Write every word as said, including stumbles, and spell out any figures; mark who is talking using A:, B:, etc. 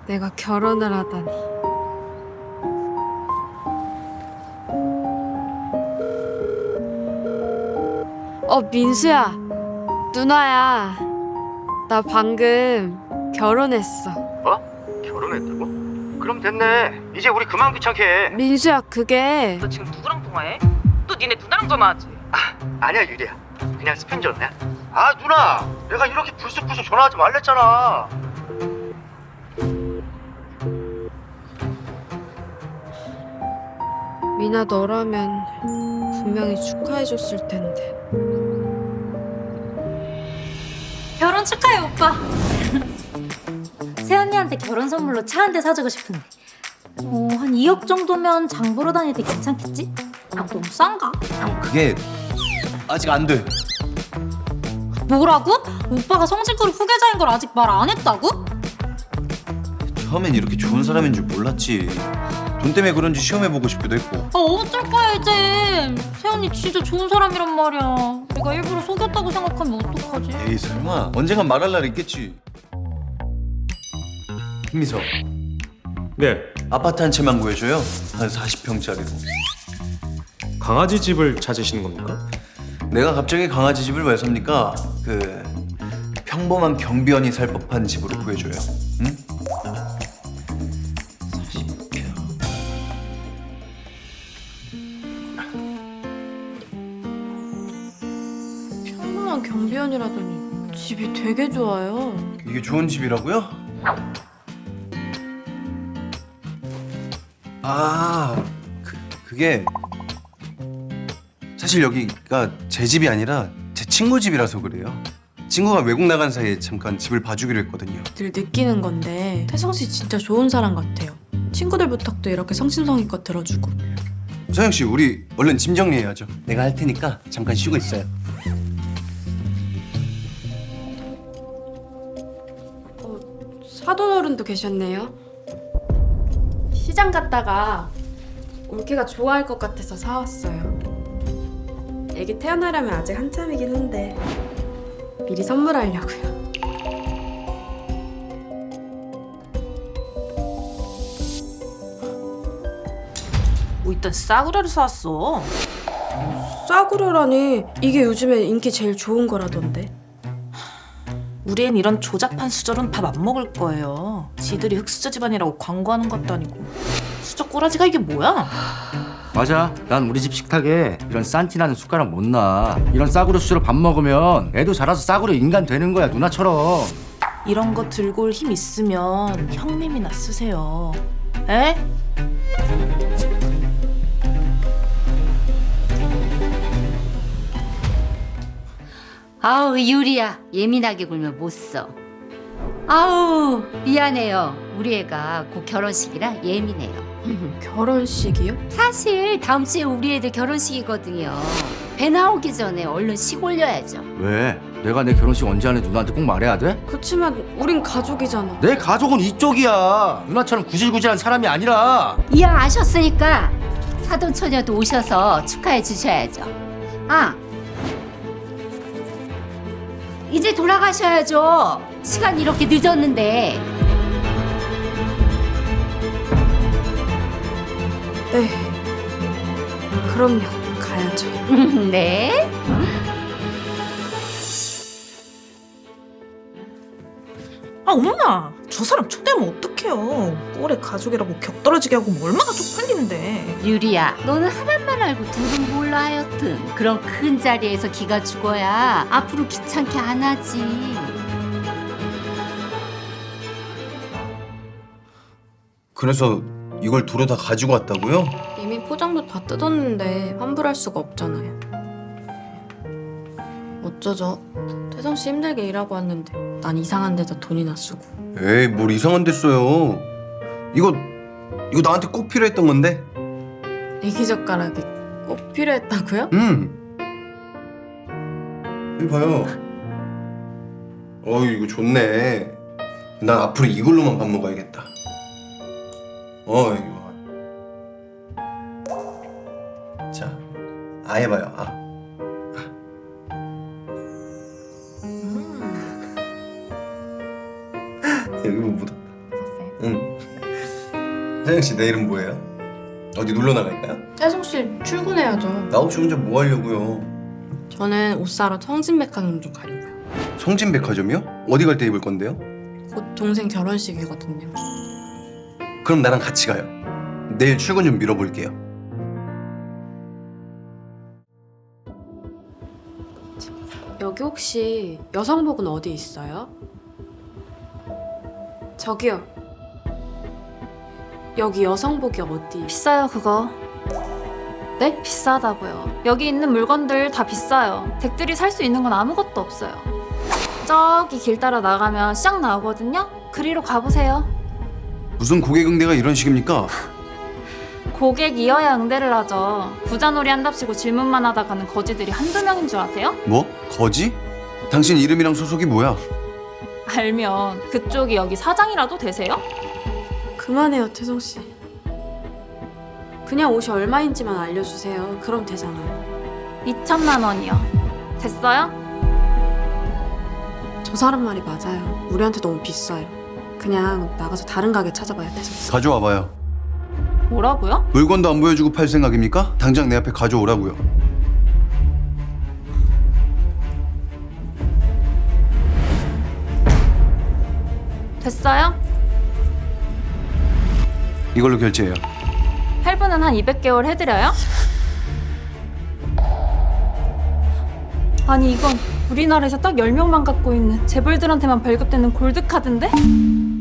A: 내가 결혼을 하다니. 어, 민수야. 누나야. 나 방금 결혼했어.
B: 어? 결혼했다고? 그럼 됐네. 이제 우리 그만 귀찮게 해.
A: 민수야, 그게
C: 너 지금 누구랑 통화해? 또 니네 누나랑 전화하지?
B: 아, 아니야 유리야. 그냥 스팸전이야. 아 누나, 내가 이렇게 불쑥불쑥 전화하지 말랬잖아.
A: 미나 너라면 분명히 축하해줬을 텐데.
D: 결혼 축하해 오빠. 세언니한테 결혼 선물로 차 한 대 사주고 싶은데 어, 한 이억 정도면 장 보러 다닐 때 괜찮겠지? 아 너무 싼가?
E: 형 그게 아직 안 돼.
D: 뭐라고? 오빠가 성실그룹 후계자인 걸 아직 말 안 했다고?
E: 처음엔 이렇게 좋은 사람인 줄 몰랐지. 돈 때문에 그런지 시험해보고 싶기도 했고.
D: 아 어쩔 거야 이제. 세언니 진짜 좋은 사람이란 말이야. 내가 일부러 속였다고 생각하면 어떡하지?
E: 에이 설마 언젠간 말할 날 있겠지. 김미서
F: 네,
E: 아파트 한 채만 구해줘요. 한 사십 평짜리로.
F: 강아지 집을 찾으시는 겁니까?
E: 내가 갑자기 강아지 집을 왜 삽니까? 그 평범한 경비원이 살 법한 집으로 구해줘요. 응? 사십 평.
A: 평범한 경비원이라더니 집이 되게 좋아요.
E: 이게 좋은 집이라고요? 아, 그, 그게 사실 여기가 제 집이 아니라 제 친구 집이라서 그래요. 친구가 외국 나간 사이에 잠깐 집을 봐주기로 했거든요.
A: 늘 느끼는 건데 태성 씨 진짜 좋은 사람 같아요. 친구들 부탁도 이렇게 성심성의껏 들어주고.
E: 서영 씨, 우리 얼른 짐 정리해야죠. 내가 할 테니까 잠깐 쉬고 있어요.
A: 사돈 어른도 계셨네요. 시장 갔다가 올케가 좋아할 것 같아서 사왔어요. 애기 태어나려면 아직 한참이긴 한데 미리 선물하려고요.
C: 뭐 이딴 싸구려를 사왔어.
A: 싸구려라니, 이게 요즘에 인기 제일 좋은 거라던데.
C: 우리 앤 이런 조잡한 수저로는 밥 안 먹을 거예요. 지들이 흑수저 집안이라고 광고하는 것도 아니고. 수저 꼬라지가 이게 뭐야?
G: 맞아. 난 우리 집 식탁에 이런 싼티나는 숟가락 못 놔. 이런 싸구려 수저로 밥 먹으면 애도 자라서 싸구려 인간 되는 거야, 누나처럼.
C: 이런 거 들고 올 힘 있으면 형님이나 쓰세요. 에?
H: 아우 유리야, 예민하게 굴면 못 써. 아우 미안해요. 우리 애가 곧 결혼식이라 예민해요.
A: 결혼식이요?
H: 사실 다음 주에 우리 애들 결혼식이거든요. 배 나오기 전에 얼른 식 올려야죠.
G: 왜? 내가 내 결혼식 언제 하는지 누나한테 꼭 말해야 돼?
A: 그치만 우린 가족이잖아.
G: 내 가족은 이쪽이야. 누나처럼 구질구질한 사람이 아니라.
H: 이왕 아셨으니까 사돈 처녀도 오셔서 축하해 주셔야죠. 아, 이제 돌아가셔야죠. 시간 이렇게 늦었는데.
A: 네. 그럼요. 가야죠.
H: 네.
C: 아 엄마, 저 사람 초대하면 어떡해요. 꼴에 가족이라고 격떨어지게 하고 뭐 얼마나 쪽팔리는데.
H: 유리야, 너는 하나만 알고 둘은 몰라. 하여튼 그런 큰 자리에서 기가 죽어야 앞으로 귀찮게 안 하지.
E: 그래서 이걸 도로 다 가지고 왔다고요?
A: 이미 포장도 다 뜯었는데 환불할 수가 없잖아요. 어쩌죠? 태성 씨 힘들게 일하고 왔는데 난 이상한 데다 돈이나 쓰고.
E: 에이, 뭘 이상한 데 써요. 이거 이거 나한테 꼭 필요했던 건데.
A: 애기 젓가락이 꼭 필요했다고요?
E: 음. 여기 봐요. 어, 이거 좋네. 난 앞으로 이걸로만 밥 먹어야겠다. 어, 이거. 자, 아 해봐요. 아. 여기 뭐 묻었다. 응. 혜정 씨 내일은 뭐예요? 어디 놀러 나갈까요?
A: 혜성 씨 출근해야죠.
E: 나 없이 혼자 뭐 하려고요?
A: 저는 옷 사러 성진백화점 좀 가려고요.
E: 성진백화점이요? 어디 갈 때 입을 건데요?
A: 곧 동생 결혼식이거든요.
E: 그럼 나랑 같이 가요. 내일 출근 좀 미뤄볼게요.
I: 여기 혹시 여성복은 어디 있어요? 저기요. 여기 여성복이 어디?
J: 비싸요 그거.
I: 네?
J: 비싸다고요. 여기 있는 물건들 다 비싸요. 댁들이 살 수 있는 건 아무것도 없어요. 저기 길 따라 나가면 시장 나오거든요. 그리로 가보세요.
E: 무슨 고객 응대가 이런 식입니까?
J: 고객이어야 응대를 하죠. 부자놀이 한답시고 질문만 하다 가는 거지들이 한두 명인 줄 아세요?
E: 뭐? 거지? 당신 이름이랑 소속이 뭐야?
J: 알면 그쪽이 여기 사장이라도 되세요?
I: 그만해요, 태성 씨. 그냥 옷이 얼마인지만 알려주세요. 그럼 되잖아요.
J: 이천만 원이요. 됐어요?
I: 저 사람 말이 맞아요. 우리한테 너무 비싸요. 그냥 나가서 다른 가게 찾아봐요, 태성 씨.
E: 가져와봐요.
J: 뭐라고요?
E: 물건도 안 보여주고 팔 생각입니까? 당장 내 앞에 가져오라고요.
J: 됐어요?
E: 이걸로 결제해요.
J: 할부는 한 이백 개월 해드려요? 아니 이건 우리나라에서 딱 열 명만 갖고 있는 재벌들한테만 발급되는 골드카드인데?